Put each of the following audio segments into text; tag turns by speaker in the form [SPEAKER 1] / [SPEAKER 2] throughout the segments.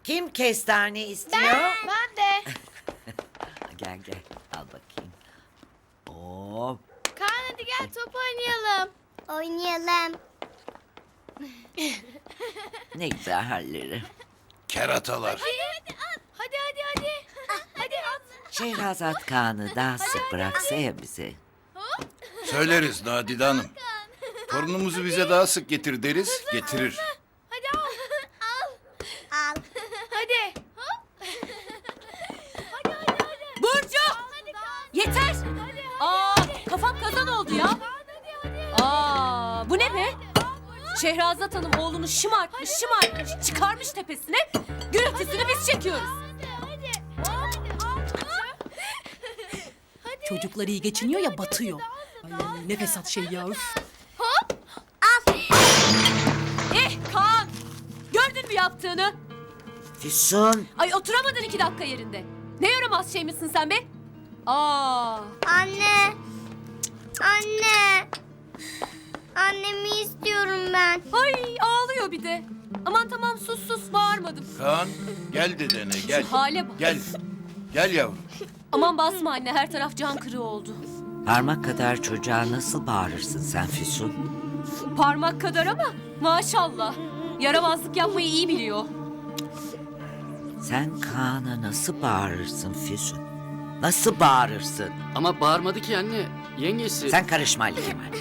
[SPEAKER 1] Kim kestane istiyor?
[SPEAKER 2] Ben de.
[SPEAKER 1] Gel gel al bakayım. Oo,
[SPEAKER 2] Kaan hadi gel top oynayalım.
[SPEAKER 3] Oynayalım.
[SPEAKER 1] ne güzel halleri.
[SPEAKER 4] Keratalar.
[SPEAKER 2] Hadi. Hadi at.
[SPEAKER 1] Şehrazat Kaan'ı daha sık bıraksa ya bize.
[SPEAKER 4] Söyleriz Nadide Hanım. Torunumuzu bize daha sık getir deriz, getirir.
[SPEAKER 2] Hadi al.
[SPEAKER 3] Al.
[SPEAKER 2] Hadi.
[SPEAKER 5] Burcu! Yeter! Aa, kafam kazan oldu ya. Aa, bu ne be? Şehrazat Hanım oğlunu şımartmış, çıkarmış tepesine. Gürültüsünü biz çekiyoruz. Çocuklar iyi geçiniyor ya batıyor. Ay, ne fesat şey ya. Üf. Kaan! Gördün mü yaptığını?
[SPEAKER 1] Füsun.
[SPEAKER 5] Ay oturamadın 2 dakika yerinde. Ne yaramaz şey misin sen be? Aa,
[SPEAKER 3] Anne. Anne. Annemi istiyorum ben.
[SPEAKER 5] ay ağlıyor bir de. Aman tamam sus bağırmadım.
[SPEAKER 4] Kaan gel dedene gel.
[SPEAKER 5] Şu hale bak.
[SPEAKER 4] Gel. Gel yavrum.
[SPEAKER 5] Aman basma anne, her taraf can kırığı oldu.
[SPEAKER 1] Parmak kadar çocuğa nasıl bağırırsın sen Füsun?
[SPEAKER 5] Parmak kadar ama maşallah. Yaramazlık yapmayı iyi biliyor.
[SPEAKER 1] Sen Kaan'a nasıl bağırırsın Füsun? Nasıl bağırırsın?
[SPEAKER 6] Ama bağırmadı ki anne. Yengesi.
[SPEAKER 1] Sen karışma Ali Kemal.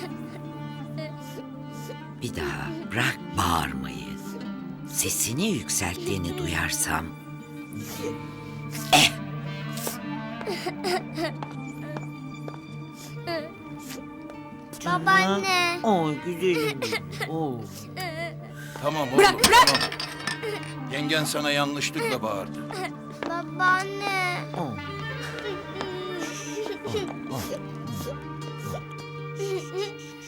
[SPEAKER 1] Bir daha bırak bağırmayı. Sesini yükselttiğini duyarsam...
[SPEAKER 3] Babaanne.
[SPEAKER 1] Oy güzelim. Oy.
[SPEAKER 4] Tamam oğlum
[SPEAKER 5] Bırak, bırak.
[SPEAKER 4] tamam. Yengen sana yanlışlıkla bağırdı.
[SPEAKER 3] Babaanne.
[SPEAKER 1] Oy.